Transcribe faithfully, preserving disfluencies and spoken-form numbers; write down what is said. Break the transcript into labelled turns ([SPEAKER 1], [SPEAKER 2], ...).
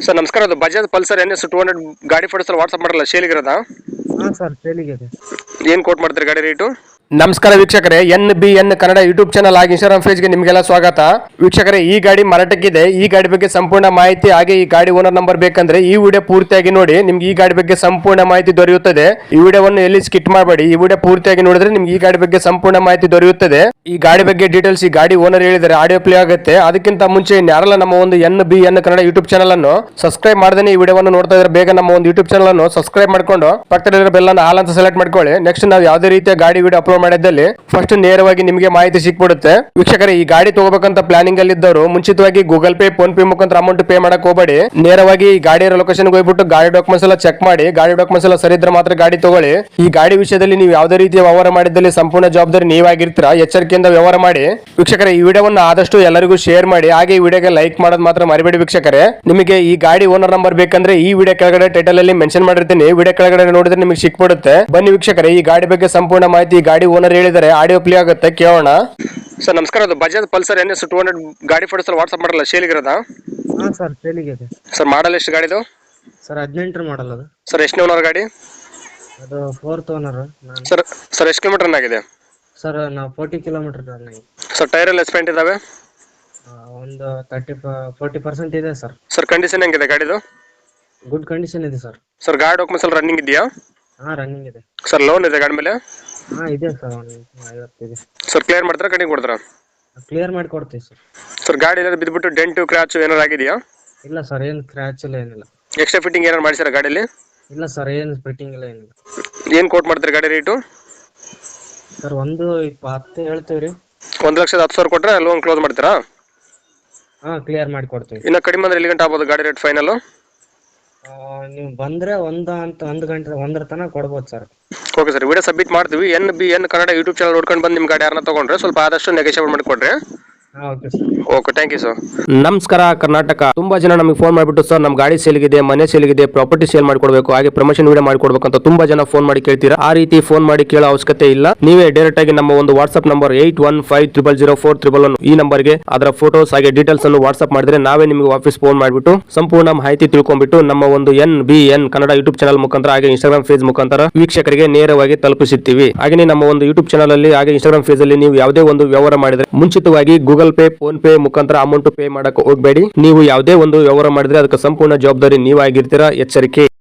[SPEAKER 1] Sir ನಮಸ್ಕಾರ, ಅದು Bajaj Pulsar N S two hundred ಗಾಡಿ ಫೋಟೋಸ್ ವಾಟ್ಸಪ್ ಮಾಡಲ್ಲ ಸೇಲಿಗಿರೋದ?
[SPEAKER 2] ಹಾಂ ಸರ್, ಸೇಲಿಗಿದೆ.
[SPEAKER 1] ಏನು ಕೋಟ್ ಮಾಡ್ತೀರಿ ಗಾಡಿ ರೇಟು?
[SPEAKER 3] ನಮಸ್ಕಾರ ವೀಕ್ಷಕರೇ, N B N Kannada YouTube channel ಹಾಗೆ ಇನ್ಸ್ಟಾಗ್ರಾಮ್ ಪೇಜ್ಗೆ ನಿಮಗೆಲ್ಲ ಸ್ವಾಗತ. ವೀಕ್ಷಕರೇ, ಈ ಗಾಡಿ ಮಾರಾಟಕ್ಕಿದೆ. ಈ ಗಾಡಿ ಬಗ್ಗೆ ಸಂಪೂರ್ಣ ಮಾಹಿತಿ ಹಾಗೆ ಈ ಗಾಡಿ ಓನರ್ ನಂಬರ್ ಬೇಕಂದ್ರೆ ಈ ವಿಡಿಯೋ ಪೂರ್ತಿಯಾಗಿ ನೋಡಿ, ನಿಮ್ಗೆ ಈ ಗಾಡಿ ಬಗ್ಗೆ ಸಂಪೂರ್ಣ ಮಾಹಿತಿ ದೊರೆಯುತ್ತದೆ. ಈ ವಿಡಿಯೋವನ್ನು ಎಲ್ಲಿ ಸ್ಕಿಟ್ ಮಾಡಬೇಡಿ, ಈ ವಿಡಿಯೋ ಪೂರ್ತಿಯಾಗಿ ನೋಡಿದ್ರೆ ನಿಮ್ಗೆ ಈ ಗಾಡಿ ಬಗ್ಗೆ ಸಂಪೂರ್ಣ ಮಾಹಿತಿ ದೊರೆಯುತ್ತದೆ. ಈ ಗಾಡಿ ಬಗ್ಗೆ ಡೀಟೇಲ್ಸ್ ಈ ಗಾಡಿ ಓನರ್ ಹೇಳಿದರೆ ಆಡಿಯೋ ಪ್ಲೇ ಆಗುತ್ತೆ. ಅದಕ್ಕಿಂತ ಮುಂಚೆ ಯಾರೆಲ್ಲ ನಮ್ಮ ಒಂದು N B N Kannada YouTube channel ಅನ್ನು ಸಬ್ಸ್ಕ್ರೈಬ್ ಮಾಡದೇ ಈ ವಿಡಿಯೋವನ್ನು ನೋಡ್ತಾ ಇದ್ರೆ ಬೇಗ ನಮ್ಮ ಒಂದು ಯೂಟ್ಯೂಬ್ ಚಾನಲ್ ಅನ್ನು ಸಬ್ಸ್ಕ್ರೈಬ್ ಮಾಡ್ಕೊಂಡು ಪಕ್ಕದಲ್ಲಿರೋ ಬೆಲ್ ಅನ್ನು ಆಲ್ ಅಂತ ಸೆಲೆಕ್ಟ್ ಮಾಡ್ಕೊಳ್ಳಿ. ನೆಕ್ಸ್ಟ್ ನಾವು ಯಾವುದೇ ರೀತಿಯ ಗಾಡಿ ವಿಡಿಯೋ ಅಪ್ಲೋಡ್ ಮಾಡಿದ್ದಲ್ಲಿ ಫಸ್ಟ್ ನೇರವಾಗಿ ನಿಮಗೆ ಮಾಹಿತಿ ಸಿಕ್ಬಿಡುತ್ತೆ. ವೀಕ್ಷಕರೇ, ಈ ಗಾಡಿ ತಗೋಬೇಕಂತ ಪ್ಲಾನಿಂಗ್ ಅಲ್ಲಿ ಇದ್ದವರು ಮುಂಚಿತವಾಗಿ ಗೂಗಲ್ ಪೇ, ಫೋನ್ ಪೇ ಮುಖಾಂತರ ಅಮೌಂಟ್ ಪೇ ಮಾಡಕ್ ಹೋಗಬೇಡಿ. ನೇರವಾಗಿ ಈ ಗಾಡಿಯ ಲೊಕೇಶನ್ ಹೋಗ್ಬಿಟ್ಟು ಗಾಡಿ ಡಾಕ್ಯುಮೆಂಟ್ಸ್ ಎಲ್ಲ ಚೆಕ್ ಮಾಡಿ, ಗಾಡಿ ಡಾಕ್ಯುಮೆಂಟ್ಸ್ ಎಲ್ಲ ಸರಿ ಇದ್ರೆ ಮಾತ್ರ ಗಾಡಿ ತಗೊಳ್ಳಿ. ಈ ಗಾಡಿ ವಿಷಯದಲ್ಲಿ ನೀವು ಯಾವುದೇ ರೀತಿಯ ವ್ಯವಹಾರ ಮಾಡಿದಲ್ಲಿ ಸಂಪೂರ್ಣ ಜವಾಬ್ದಾರಿ ನೀವಾಗಿರ್ತೀರಾ. ಎಚ್ಚರಿಕೆಯಿಂದ ವ್ಯವಹಾರ ಮಾಡಿ. ವೀಕ್ಷಕರೇ, ಈ ವಿಡಿಯೋವನ್ನು ಆದಷ್ಟು ಎಲ್ಲರಿಗೂ ಶೇರ್ ಮಾಡಿ, ಹಾಗೆ ಈ ವಿಡಿಯೋಗೆ ಲೈಕ್ ಮಾಡೋದು ಮಾತ್ರ ಮರಿಬೇಡಿ. ವೀಕ್ಷಕರೇ, ನಿಮಗೆ ಈ ಗಾಡಿ ಓನರ್ ನಂಬರ್ ಬೇಕಂದ್ರೆ ಈ ವಿಡಿಯೋ ಕೆಳಗಡೆ ಟೈಟಲ್ ಅಲ್ಲಿ ಮೆನ್ಷನ್ ಮಾಡಿರ್ತೀನಿ. ವಿಡಿಯೋ ಕೆಳಗಡೆ ನೋಡಿದ್ರೆ ನಿಮಗೆ ಸಿಕ್ಬಿಡುತ್ತೆ. ಬನ್ನಿ ವೀಕ್ಷಕರೇ, ಈ ಗಾಡಿ ಬಗ್ಗೆ ಸಂಪೂರ್ಣ ಮಾಹಿತಿ ಗಾಡಿ ಓನರ್ ಹೇಳಿದರೆ ಆಡಿಯೋ ಪ್ಲೇ ಆಗುತ್ತೆ, ಕೇಳೋಣ.
[SPEAKER 1] ಸರ್ ನಮಸ್ಕಾರ, ಅದು Bajaj Pulsar N S two hundred ಗಾಡಿ ಫೋಟೋಸ್ ವಾಟ್ಸಪ್ ಮಾಡಲ್ಲ ಸೇಲಿಗಿರೋದ?
[SPEAKER 2] ಹಾಂ ಸರ್, ಸೇಲಿಗಿದೆ.
[SPEAKER 1] ಸರ್ ಮಾಡಲ್ ಎಷ್ಟು ಗಾಡಿದು?
[SPEAKER 2] ಸರ್ ಹದಿನೆಂಟರ ಮಾಡಲ್ ಅದು.
[SPEAKER 1] ಸರ್ ಎಷ್ಟನೇ ಓನರ್ ಗಾಡಿ?
[SPEAKER 2] ಅದು ಫೋರ್ತ್ ಓನರ್.
[SPEAKER 1] ಸರ್ ಸರ್ ಎಷ್ಟು ಕಿಲೋಮೀಟರ್ ರನ್ ಆಗಿದೆ?
[SPEAKER 2] ಸರ್ ನಾವು ಫೋರ್ಟಿ ಕಿಲೋಮೀಟರ್ ರನ್ ಆಗಿದೆ.
[SPEAKER 1] ಸರ್ ಟೈರ್ ಎಲ್ಲ ಎಸ್ಪೆಂಟ್ ಇದಾವೆ?
[SPEAKER 2] ಒಂದು ತರ್ಟಿ ಫೋರ್ಟಿ ಪರ್ಸೆಂಟ್ ಇದೆ ಸರ್.
[SPEAKER 1] ಸರ್ ಕಂಡೀಷನ್ ಹೆಂಗಿದೆ ಗಾಡಿದು?
[SPEAKER 2] ಗುಡ್ ಕಂಡೀಷನ್ ಇದೆ ಸರ್.
[SPEAKER 1] ಸರ್ ಗಾಡಿ ಡಾಕ್ಯುಮೆಂಟ್ಸ್ ಎಲ್ಲ ರನ್ನಿಂಗ್ ಇದೆಯಾ?
[SPEAKER 2] ಹಾಂ, ರನ್ನಿಂಗ್ ಇದೆ.
[SPEAKER 1] ಸರ್ ಲೋನ್ ಇದೆ ಗಾಡಿ ಮೇಲೆ?
[SPEAKER 2] ಹಾಂ ಇದೆ ಸರ್, ಒಂದು ಐವತ್ತಿದೆ.
[SPEAKER 1] ಸರ್ ಕ್ಲಿಯರ್ ಮಾಡ್ತಾರಾ ಕಡಿಮೆ ಕೊಡ್ತಾರಾ?
[SPEAKER 2] ಕ್ಲಿಯರ್ ಮಾಡಿ ಕೊಡ್ತೀವಿ ಸರ್.
[SPEAKER 1] ಸರ್ ಗಾಡಿ ಏನಾದ್ರು ಬಿದ್ದುಬಿಟ್ಟು ಡೆಂಟು ಕ್ರಾಚ್ ಏನಾರು ಆಗಿದೆಯಾ?
[SPEAKER 2] ಇಲ್ಲ ಸರ್, ಏನು ಕ್ರ್ಯಾಚ್ ಇಲ್ಲ, ಏನಿಲ್ಲ.
[SPEAKER 1] ಎಕ್ಸ್ಟ್ರಾ ಫಿಟ್ಟಿಂಗ್ ಏನಾರು ಮಾಡಿಸಿರ ಗಾಡಿಯಲ್ಲಿ?
[SPEAKER 2] ಇಲ್ಲ ಸರ್, ಏನು ಫಿಟ್ಟಿಂಗ್ ಇಲ್ಲ, ಏನಿಲ್ಲ.
[SPEAKER 1] ಏನು ಕೋಟ್ ಮಾಡ್ತೀರಿ ಗಾಡಿ ರೇಟು?
[SPEAKER 2] ಸರ್ ಒಂದು ಇಪ್ಪತ್ತು ಹೇಳ್ತೀವಿ ರೀ.
[SPEAKER 1] ಒಂದು ಲಕ್ಷದ ಹತ್ತು ಸಾವಿರ ಕೊಟ್ಟರೆ ಲೋನ್ ಕ್ಲೋಸ್ ಮಾಡ್ತೀರಾ?
[SPEAKER 2] ಹಾಂ, ಕ್ಲಿಯರ್ ಮಾಡಿ ಕೊಡ್ತೀವಿ.
[SPEAKER 1] ಇನ್ನು ಕಡಿಮೆ ಅಂದ್ರೆ ಎಲ್ಲಿ ಗಂಟೆ ಆಗ್ಬೋದು ಗಾಡಿ ರೇಟ್ ಫೈನಲ್?
[SPEAKER 2] ನೀವು ಬಂದರೆ ಒಂದು ಅಂತ ಒಂದು ಗಂಟೆ ಒಂದರ ತನಕ ಕೊಡ್ಬೋದು sir.
[SPEAKER 1] Okay sir, video submit ಮಾಡ್ತೀವಿ. N B N Kannada YouTube channel ನೋಡ್ಕೊಂಡು ಬಂದು ನಿಮ್ಮ ಗಾಡಿ ಯಾರನ್ನ ತೊಗೊಂಡ್ರೆ ಸ್ವಲ್ಪ ಆದಷ್ಟು ನೆಗೋಷಿಯೇಟ್ ಮಾಡಿಕೊಡ್ರಿ.
[SPEAKER 2] Okay sir.
[SPEAKER 1] Okay, thank you sir.
[SPEAKER 3] ನಮಸ್ಕಾರ ಕರ್ನಾಟಕ. ತುಂಬಾ ಜನ ನಮಗೆ ಫೋನ್ ಮಾಡಿಬಿಟ್ಟು ಸರ್ ನಮ್ಮ ಗಾಡಿ ಸೇಲ್ಗಿದೆ, ಮನೆ ಸೇಲ್ಗಿದೆ, ಪ್ರಾಪರ್ಟಿ ಸೇಲ್ ಮಾಡಿಕೊಡ್ಬೇಕು, ಹಾಗೆ ಪ್ರಮೋಷನ್ ವಿಡಿಯೋ ಮಾಡಿಕೊಡ್ಬೇಕು ಅಂತ ತುಂಬಾ ಜನ ಫೋನ್ ಮಾಡಿ ಕೇಳ್ತೀರಾ. ಆ ರೀತಿ ಫೋನ್ ಮಾಡಿ ಕೇಳೋ ಅವಶ್ಯಕತೆ ಇಲ್ಲ. ನೀವೇ ಡೈರೆಕ್ಟ್ ಆಗಿ ನಮ್ಮ ಒಂದು WhatsApp number eight one five triple zero four triple one ಈ ನಂಬರ್ಗೆ ಅದರ ಫೋಟೋಸ್ ಹಾಗೆ ಡೀಟೇಲ್ಸ್ ಅನ್ನು ವಾಟ್ಸ್ಆಪ್ ಮಾಡಿದ್ರೆ ನಾವೇ ನಿಮಗೆ ವಾಪಸ್ ಫೋನ್ ಮಾಡಿಬಿಟ್ಟು ಸಂಪೂರ್ಣ ಮಾಹಿತಿ ತಿಳ್ಕೊಂಡ್ಬಿಟ್ಟು ನಮ್ಮ ಒಂದು N B N Kannada YouTube channel ಮುಖಾಂತರ ಹಾಗೆ ಇನ್ಸ್ಟಾಗ್ರಾಮ್ ಪೇಜ್ ಮುಖಾಂತರ ವೀಕ್ಷಕರಿಗೆ ನೇರವಾಗಿ ತಲುಪಿಸುತ್ತೀವಿ. ಹಾಗೆ ನಮ್ಮ ಒಂದು ಯೂಟ್ಯೂಬ್ ಚಾನಲ್ ಅಲ್ಲಿ ಹಾಗೆ ಇನ್ಸ್ಟಾಗ್ರಾಮ್ ಪೇಜ್ ಅಲ್ಲಿ ನೀವು ಯಾವುದೇ ಒಂದು ವ್ಯವಹಾರ ಮಾಡಿದ್ರೆ ಮುಂಚಿತವಾಗಿ ಗೂಗಲ್ ಪೇ, ಫೋನ್ ಪೇ ಮುಖಾಂತರ ಅಮೌಂಟ್ ಪೇ ಮಾಡಕ್ಕೆ ಹೋಗಬೇಡಿ. ನೀವು ಯಾವುದೇ ಒಂದು ವ್ಯವಹಾರ ಮಾಡಿದ್ರೆ ಅದಕ್ಕೆ ಸಂಪೂರ್ಣ ಜವಾಬ್ದಾರಿ ನೀವಾಗಿರ್ತೀರಾ. ಎಚ್ಚರಿಕೆ.